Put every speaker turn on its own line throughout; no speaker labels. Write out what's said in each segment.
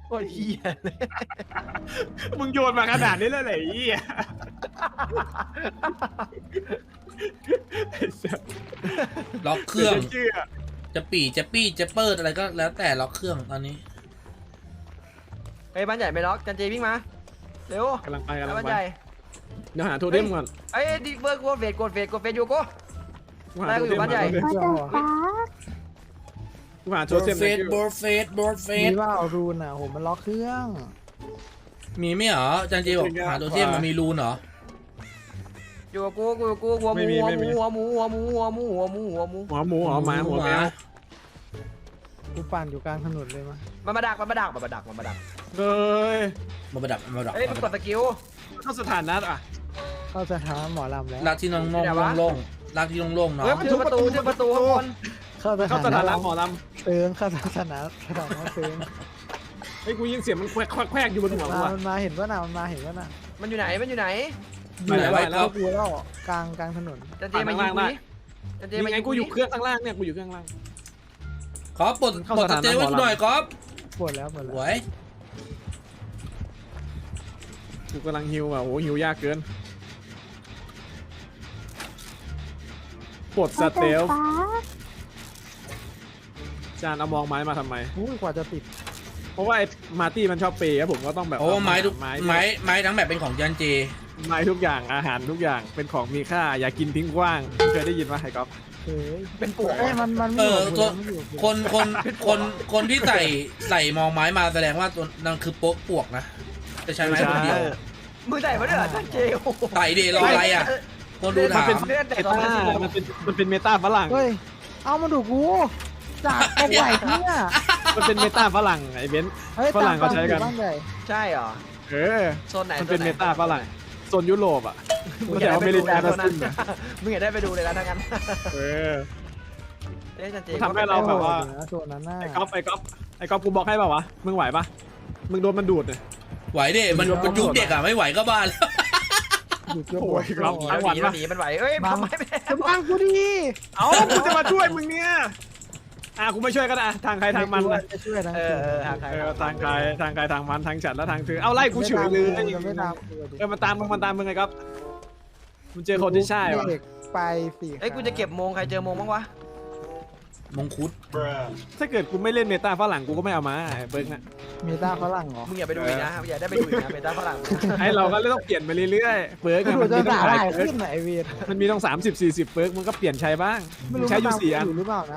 โคตรเหี้ยเลย
มึงโยนมาขนาดนี้เลยเหรอไอ้เหี้ย
ล็อกเครื่อง
เชื่อ
จะปี่จะปี้จะเปิดอะไรก็แล้วแต่ล็อกเครื่องตอนนี้
เฮ้ยบ้านใหญ่ไม่ล็อกจันเจวิ่งมาเร็ว
กำลังไปกำลัง
บ้าน
ไป
ใหญ่
เดี๋ยวหาโทเทมก่อน
เอ้ยดิเบอร์กดเฟดอยู่กู
กูหาโทเทม
บ้านใหญ่
กู
มาจากฟ้า
หาโท
บอ
เท
ร์
ม
เฟสบอร์เฟสบอร์เฟ
มี
ส
ว่าเอารูนอ่ะโหมันล็อกเครื่อง
มีไหมเหรอจันจีบอกหาตัวเทียมมันมีรูนเหรอ
อยู่กับกูหัวหมูหัวหมูหัวหมูหัวหมูหัวหมูหัวหมู
หัวหมูหัวหมาหัวแมว
กูปั่นอยู่กลางถนนเลยมา
มันมาดัก
เฮ้ย
มาประดับมาประดับ
เฮ้ยมันกดสกิล
เข้าสถานะอ่ะ
เข้าสถานหมอลำแล้ว
ลากที่โล่งลากที่โล่งเนาะ
เฮ้ยมันถึงประตูข้างบน
เข้าส
เข้าส
ถา
ถานะ
นะ
หมอล
เติงเข้าสถานะเติง
ำเฮ้ยกูยินเสียงมันแควกอยู่บนหัวกูอ่ะ
มันมาเห็นว่าน่ะมันมาเห็นว่าน่ะ
มันอยู่ไหน
อยู่ไหนไว้ครับ
กูแล้วกลางถนน
จันเจมายิงกูจันเจ
นี่
มา
ไง
ยิง
กูอยู่เครื่องข้างล่างเนี่ยกูอยู่เครื่องล่าง
ขอปลดจันเจไว้หน่อยครับ
ปวดแล้ว
หวย
กูกำลังฮิวอ่ะโอ้หิวยากเกินปลดส
มา
เต
จาก
ล
ฟ้า
จานเอามองไม้มาทำไม
อุ้ยกว่าจะติด
เพราะว่าไอ้มาร์ตี้มันชอบเปย์ครับผมก็ต้องแบบ
โอ้ไม้ทุก
ไม้
ไม้ทั้งแบบเป็นของจันเจ
ไม้ทุกอย่างอาหารทุกอย่างเป็นของมีค่าอย่ากินทิ้งกว้างเคยได้ยินว่าไฮก๊อฟ
เฮ้ย
เป็นปวก
เอ้ยมันไม่อยู่
คนที่ใส่มองไม้มาแสดงว่าตัวนั่นคือโป๊กปวกนะจะใช้ไม้คนเดียว
มือใส่มาด้วยจันเจ
ใส่เดรออะไรอ่ะคนดูถาม
เล่นแต่
เม
ตอน
ตา
นั้น
มันเป็นเมตาฝรั่ง
เฮ้ยเอามาดูกูจากตรงไหนเนี่ย
มันเป็นเมตาฝรั่งไอ้เบนซ์
เฮ้ย
ฝรั่งเขาใช้กัน
บ้านใหญ่
ใช่เหรอ
เออ
โซนไหน
มันเป็นเมตาฝรั่งโซนยุโรปอ่ะ
มึ
มั
ง
น
อยา
แต่
ก
อ
ได้
เม
ไป
ริ
ดู
กา
เลย
ทั้ง
นะ
สิ้นอะ
มึงอยากได้ไปดูเลยนะทั้งนั้น
เออ
เอ้ยจันเจ
ทำให้เราแบบว่า
โซนนั้นน่ะ
ไอ้ก๊อฟกูบอกให้เปล่าวะมึงไหวปะมึงโดนมันดูดเนี่ย
ไหวเด้มันยุคเด็กอ่ะไม่ไหวก็บ้าแล้ว
อยู่เกือบ
โอ้ยครับ
หนีมันไหวเอ้ยทำไมไม่
จะบังกูดี
เอ้ากูจะมาช่วยมึงเนี่ยกูไม่ช่วยก็ได้ทางใครทางมันนะ
จะช่วยทั้ง
ทางใคร
ทางใครทางมันทางฉันและทางเธอเอาไล่กูเฉยเลย
ไม่ตาม
มันตามมึงไงครับมึงเจอคนที่ใช่วะ
ไปสิ
เอ้ยกูจะเก็บโมงใครเจอโมงบ้างวะ
มงคุด
ถ้าเกิดกูไม่เล่นเมตาฝรั่งกูก็ไม่เอามาไอ้เบิ้งอะ
มีตาฝรั่งเหรอ
มึงอย่าไปดูอีกนะอย่าได้ไปดูอีกนะเป็นตาฝรั่ง
ไอ้เราก็เลยต้องเปลี่ยนไปเรื่อยๆเปิร์ก
ดู
มัน
จะ
มีต้อง
ด่า
หลา
ได้
ยเปิร์ก
ขึ้นไหนเวียน
มันมีต้อง30-40เปิร์กมันก็เปลี่ยนใช้บ้างใช้อยู่4 อัน
หรือเปล่านะ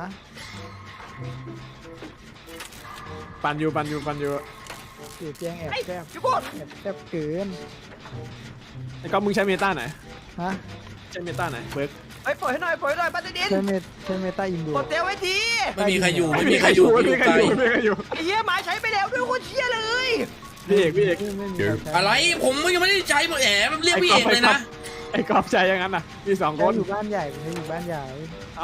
ปั่นอยู่
สีเตียงแอบแซบ
จุ๊บ
แอบแซบเกิน
ไอ้ก๊อฟมึงใช้เมตาไหน
ฮะ
ใช้เมตาไหนเปิร์ก
เอ้ยปล่อยให้หน่อยปัตติดิน
ใช้เมตาอินดู
กดเตลไว้ที
ไม่มีใครอยู่ไม่มีใครอยู่อยู่ไกล
ไอ้เหี้ยหมาใช้ไปแล้วด้วยโคตรเชี่ยเลย
พี่เอก
ไม่มี
อะไรผมยังไม่ได้ใช้แหมมันเรียกพี่เอกเลยนะ
ไอ้ก๊อฟใช้อย่างนั้นน่ะมี2 คน
อยู่บ้านใหญ่อยู่บ้านใหญ่
เอ้า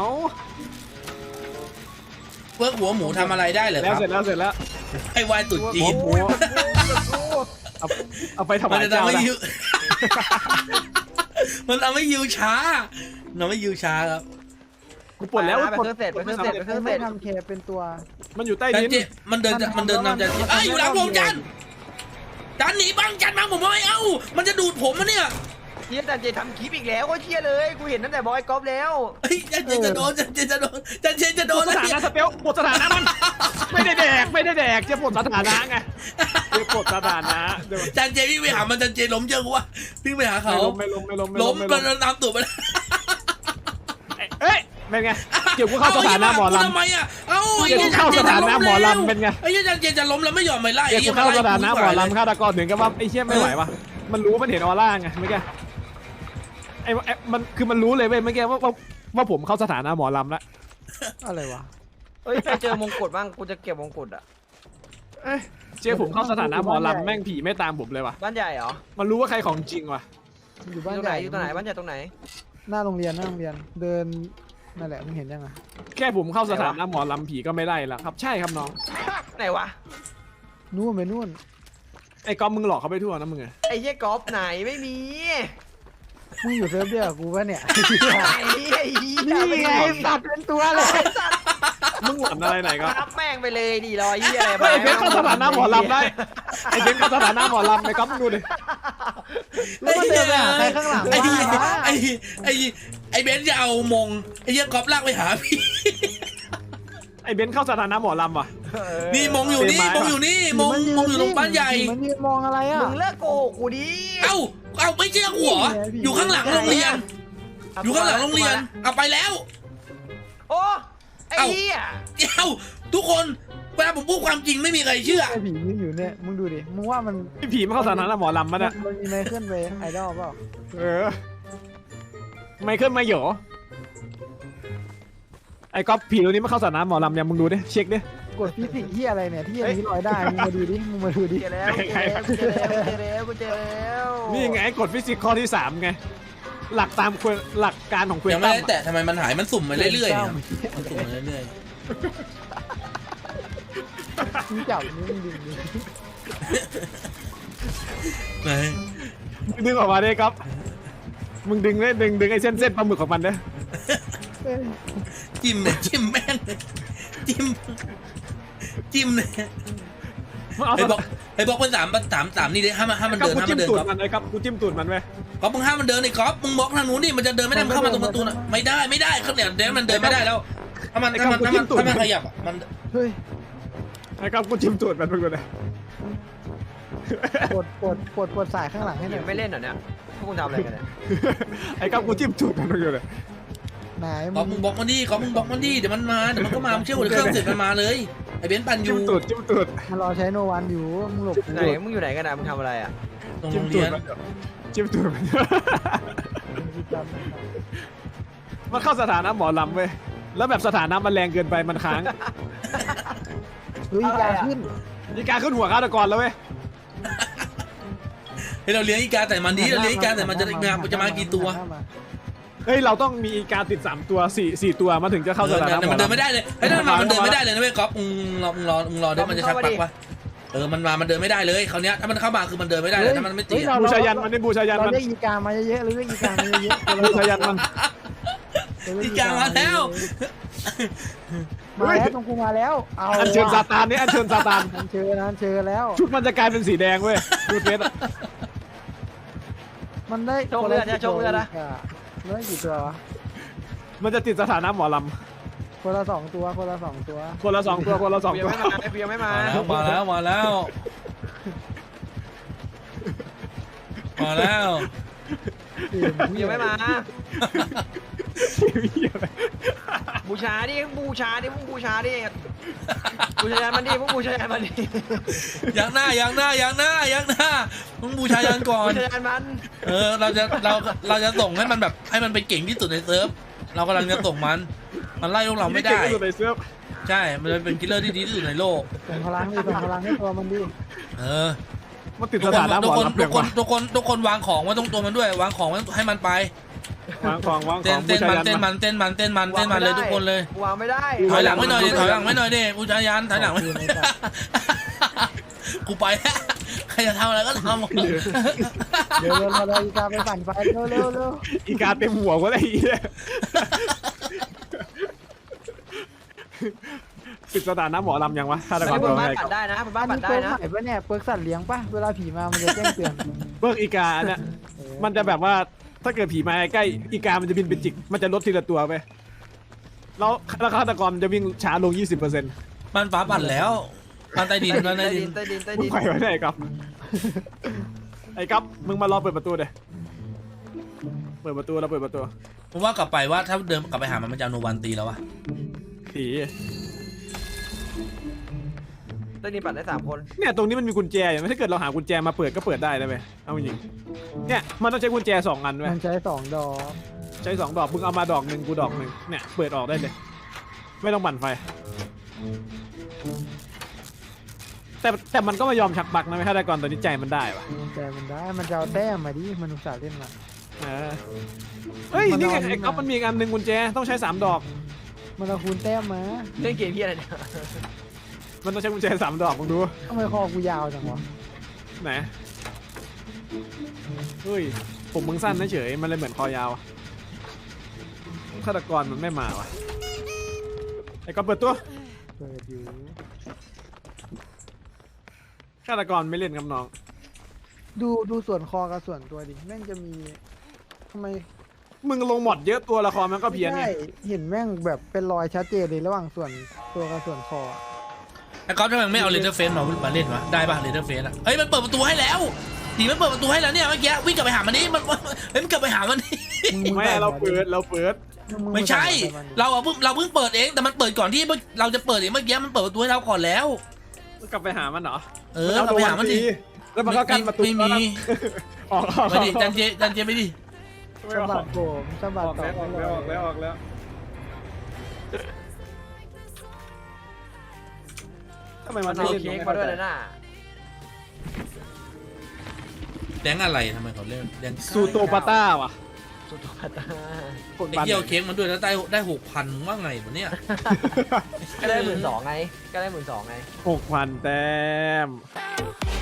เพิกหัวหมูทำอะไรได้เหรอ
แล้ว
ครับ
เสร็จแล้ว
ให้วายตุ๋นจีน
เอาไปถ
มั
วาน ย
จะ
เจ้า
ทำให้
ละ
ยิวมันทำให้ยิวช้าทำให้ยิวช้าครับ
กูปลดแล้ว
ไปเครื่องเสร็จ
ไม่ทำเคเป็นตัว
มันอยู่ใต้
จัน
ดิน
เจมันเดินนำจันเจอยู่หลังผมจันหนีบังผมไม่เอามันจะดูดผมนะเนี่ย
เชี่ยจันเจทำคลิปอีกแล้วโคตรเชี่ยเลยกูเห็นตั้งแต่บอยกอล์ฟแล้ว
จันเจจะโดน
สถานะสเปลปลดสถานะมันไม่ได้แดกจะปลดสถานะไงจะปลดสถานะเดี๋ยว
จันเจวิ่งไปหามันจันเจล้มเยอะกว่าวิ่งไปหาเขา
ไม่ล้ม
ล้มมันตามตูดมัน
เอ้ยเป็นไงเกี่ยวกูเข้าสถานะหมอลำ
ทำไมอ่ะเอ้า
เกี่ยวกูเข้าสถานะหมอลำเป็นไง
ไอ้จันเจจะล้มแล้วไม่ยอมไปไล่
เกี่ยวกูเข้าสถานะหมอลำฆาตกรถึงกับว่าไอ้เชี่ยไม่ไหววะมันรู้มันเห็นออร่าไงเมื่อกี้ไอ้มันคือมันรู้เลยเว้ยเมื่อกี้ว่าผมเข้าสถานะหมอลำแล้ว
อะไรวะ
เฮ้ยใครเจอมงกุฎบ้างกูจะเก็บมงกุฎอ่ะ
เจ๊ผมเข้าสถานะหมอลำแม่งผีไม่ตามผมเลยว่ะ
บ้านใหญ่เหรอ
มันรู้ว่าใครของจริงว่ะ
อยู่
อ
บ้าน
ยู่ตรง
ให
ไหน
ญ่
อยู่ตรงไหนบ้านใหญ่ตรงไหน
หน้าโรงเรียนเดินนั่นแหละมึงเห็นยังไง
แค่ผมเข้าสถานะหมอลำผีก็ไม่ได้แล้วครับใช่ครับน้อง
ไหนวะ
นู่นไปนู่น
ไอ้ก๊อฟมึงหลอกเขาไปทั่วนะมึงไง
ไอ้เหี้ยกอล์ฟไหนไม่มี
มึงอยู่เซิร์ฟเดียวกับกูปะเนี่ย
ไหนไอ้เหี้ย
นี่ไงสัตว์เป็นตัวเลย
ไอ้สัตว์
มึงหล่อนอะไรไหนก็
รับแม่งไปเลยดิรอยเหี้ยอะไร
ไอ้เบนเข้าสถานะหมอลำได้ไอ้เบนเข้าสถานะหมอลำไอ้ก๊อฟมึงดูดิ
แล้วมันเดินไปหาใครข้างหลัง
ไอ้เหี้ย
วะ
ไอ้เบนซ์จะเอามงไอ้เหี้ยก๊อฟลากไปหาพี่
ไอ้เบนเข้าสถานะหมอลำว่ะ
นี่มงอยู่นี่มงอยู่นี่มงอยู่ตรงบ้านใหญ่
มันยืนมองอะไรอ่ะ
มึงเลิกโกหกกูดิ
เอ้าไม่เชื่อกูเหรออยู่ข้างหลังโรงเรียน อยู่ข้างหลังโรงเรียนเอาไปแล้ว
โอ้ไอ้เหี้ย
เอ้าทุกคนเวลาผมพูดความจริงไม่มีใครเชื่อ
ไอ้ผียืนอยู่เนี่ยมึงดูดิมึงว่ามัน
ไอ้ผีมันเข้าสถานะหมอลำมันอะ
มันมีไมเคิลเวย์ไอดอลเปล่า
เออไมเคิลไมเหยอไอ้ก๊อฟผีตัวนี้มันเข้าสถานะหมอลำเนี่ยมึงดูดิเช็คดิ
กดฟิสิกส์ที่อะไรเนี่ยที่อันนี้ลอยได้มึงมาดูดิมึงมาดูดิ
เจอแล้วกูเจอแล้วกูเจอแล้ว
นี่ไงกฎฟิสิกส์ข้อที่3ไงหลักตามหลักการของเควน
ยังไม่
ตัม
ได้แตะทำไมมันหายมันสุ่มมาเรื่อยๆเนี่ยมันสุ่มมาเรื่อย
มึงจับนี่มึงดึงดิ
ๆไหน
ดึงออกมาดิก๊อฟมึงดึงเลยดึงไอ้เส้นปลาหมึกของมันเด้อ
เอ้ย
จิ้มเนี่ยจิ้มแม่งเลยจิ้มเลย
มึงเอา
ไอ้บอกเป็นสามนี่ดิห้ามมัน
ก๊อ
เดิ
ฟ
น
กู
ห้าม
จิ้
มั
ม
นเดิน
ตูด
ก๊อฟ
มันไอ้ก๊อฟกูจิ้มตูดมันเว้ย
ก๊อฟมึงห้ามมันเดินไอ้ก๊อฟมึงบล็อกทางนู้นดิมันจะเดินไม่ได้มันเข้ามาตรงประตูน่ะไม่ได้เขาเนี่ยเดี๋ยวมันเดินไม่ได้แล้วถ้ามันขยับอ่ะมัน
เฮ้ย
ไอ้ก๊อฟกูจิ้มตูดมันมึงดูดิ
ปวดสายข้างหลังให้หน่อย
ไม่เล่นเหรอเนี่ยพวกมึงทำอะไรกันเนี่ย
ไอ้ก๊อฟกูจิ้มตูดมันมึงดูดิ
ไหน
ก๊อฟมึงบล็อกมันดิก๊อฟมึงบล็อกมันดิเดี๋ยวมันก็มามึงเชื่อหัวเครื่องเสร็จมันมาเลยไอ้เบนซ์ปั่นอ
จิ้
ยู่
มตูด
มันรอใช้โนวันอยู่มึงหลบกู
ไหนมึงอยู่ไหนกันนะมึงทำอะไรอ่ะ
ตรงโร
จิ้ม
ง
ตู
เรี
ด
ยน
มันจิ้มตูดมันมันเข้าสถานะหมอลำเว้ยแล้วแบบสถานะมันแรงเกินไปมันค้าง
เฮ้ยการขึ้น
นี่การขึ้นหัวฆาตกรแล้วเว้ย
ให้เราเลี้ยงอีกาแต่มันดีเราเลี้ยงอีกาแต่มันจะมากี่ตัว
เฮ้ยเราต้องมีอีกาติด3ตัว4ตัวมาถึงจะเข้าสถานะหม
แต่
อ
มันเดิน
ลำ
ไม่ได้เลยเฮ้ยถ้ามันเดินไม่ได้เลยนะเว้ยก๊อฟมึงรอได้มันจะชักปักวะมันเดินไม่ได้เลยคราวเนี้ยถ้ามันเข้ามาคือมันเดินไม่ได้เลยถ้ามันไม่ตี
บูชายันมันนี่บูชายัน
เรา
มัน
เรียกอีกามาเยอะๆหรือเรียกอีกามาเยอะๆ
บูชายันมัน
อีกามาแล้ว
มาแล้วตรงกูมาแล้วเอา
อัญเชิญซาตานนี่อัญเชิญซาตาน
อันเชิญแล้ว
ชุดมันจะกลายเป็นสีแดงเว้ยดูเฟสอะ
มันได้
โชคเลือดนะโชคเลือดนะ
เลือดกี่ตัววะ
มันจะติดสถานะหมอล
คนละ2 ตัวคนละ2 ตัว
ำคนละ2 ตัวคนละ2
เบีย
ตัว
ร์ไม่มาเบียร์ไม่มา
มาแล้ว
เบียร์ไม่มาบูชาดิมึงบูชาดิบูชายันมันดิมึงบูชายันมันดิ
ยังหน้ามึงบูชายันก่อน
บูชายันมัน
เราจะส่งให้มันแบบให้มันไปเก่งที่สุดในเซิร์ฟเรากำลังจะส่งมันไล่พวกเราไม่ได้
ในเสื้อ
ใช่มันเป็นคิลเลอร์ที่ดีที่สุดในโลก
ส่งพลังให้ตัวมันดิ
มันติด
ทุ
ส
ก
ถานะหมอลำเปลี่ยนว่ะ
ทุกคนวางของไว้ตรงตัวมันด้วยวางของไว้ให้มันไป
วางของบู
เต้น
ชายัน
มันเลยทุกคนเลยว
างไม่ได้
ถอยหลังไม่หน่อยดิบูชายันถอยหลังไม่กูไปแล้วใครจะทำอะไรก็ทำ
เดี๋ยวเราอีกาไปปั่นไฟเร็ว
อีกาเต็มหัวก็ได้อีเนี่ยติดสถานะหมอลำยังวะฆาตกร
บ
ตัวน
บ้าน
ไหน
ปัดได้นะบนบ้าน
อั
ปั
น
ด
นี้
ได้
เปิร์ก
นะ
ใหม่ปะเนี่ยเปิร์กสัตว์เลี้ยงปะเวลาผีมามันจะแจ้งเตือน
เบิกอีกาเนี่ยมันจะแบบว่าถ้าเกิดผีมาใกล้อีกามันจะบินเป็นจิกมันจะลดทีละตัวไปแล้วฆาตกรมันจะวิ่งช้าลง 20%
มันฟ้าปั่นแล้วมันใต้ดิน
ใต้ดิน
มึงไปไว้ไหนครับไอ้ครับมึงมารอเปิดประตูเดี๋ยเปิดประตูแล้วเปิดประตู
ผมว่ากลับไปว่าถ้าเดินกลับไปหามันจะเอาโนวันตีแล้ววะ
ผี
ใต้ดินปัดได้3 คน
เนี่ยตรงนี้มันมีกุญแจอย่างถ้าเกิดเราหากุญแจมาเปิดก็เปิดได้นะเว้ยเอาจริงเนี่ยมันต้องใช้กุญแจ2 อันเว้ย
มันใช้2 ดอก
ใช้2 ดอกมึงเอามาดอกหนึ่งกูดอกหนึ่งเนี่ยเปิดออกได้เลยไม่ต้องบั่นไฟแต่มันก็ไม่ยอมชักบักนะฆาตกรตัวนี้ใจมันได้ปะ
แต่มันได้มันจะเอาแต้มมาดิมันอุตส่าห์เล่นมา
เฮ้ยนี่ไงไอ้ก๊อฟมันมีอีกอันหนึ่งกุญแจต้องใช้3 ดอก
มันเอาคูณแต้มมา
เล่นเกมพี่อะไรเนี่ย
มันต้องใช้กุญแจ3 ดอกมึงดู
ทำไมคอกูยาวจังวะ
ไหนเฮ้ยผมมึงสั้นเฉยมันเลยเหมือนคอยาวฆาตกรมันไม่มาวะไอ้ก็เปิดตัว
เปิดอยู่
ฆาตกรไม่เล่นกับน้อง
ดูส่วนคอกับส่วนตัวดิแม่งจะมีทำไม
มึงลงหมดเยอะตัวละครมันก็เพี้ยนไง
ไม่ได้เห็นแม่งแบบเป็นรอยชัดเจนเลยระหว่างส่วนตัวกับส่วนคออะ
ไอ้ก๊อฟทำไมไม่เอาเลเดอร์เฟนมาเล่นวะได้ป่ะเลเดอร์เฟนอ่ะเฮ้ยมันเปิดประตูให้แล้วดีมันเปิดประตูให้แล้วเนี่ยเมื่อกี้วิ่งกลับไปหามันนี่มันเฮ้ยมันกลับไปหามันนี่
ไม่เราเปิด
มึง
ไม่ใช่
ใส่มันดิ
เราเพิ่งเปิดเองแต่มันเปิดก่อนที่เราจะเปิดเองเมื่อกี้มันเปิดประตูให้เราก่อนแล้ว
กลับไปหามันเหรอ
กลับไปหามันดิ
แล้วมันก็กันประตู
ไม่มี
ออก
ไม่ดิจันเจไม่ดิ
ไม่
สะ
อ
บั
อ
ด
ก
ผมสะบัด
ออก
ต่อ
แล้วทำไม
มั
มัน น
เอา
ไม่เล่น
เค้กมาด้วยนะน่ะ
แดงอะไรทำไมเขาเล่นแดง
ซูโตปาต้าว่ะ
สุดยอด
กด
ไอ้
บัน
เกี่ยวเค้กมันด้วยแล้วได้6,000มึงว่าไงวะเนี่ย
ก็ได้12,000ไงก็ได้12,000ไง
6,000 แต้ม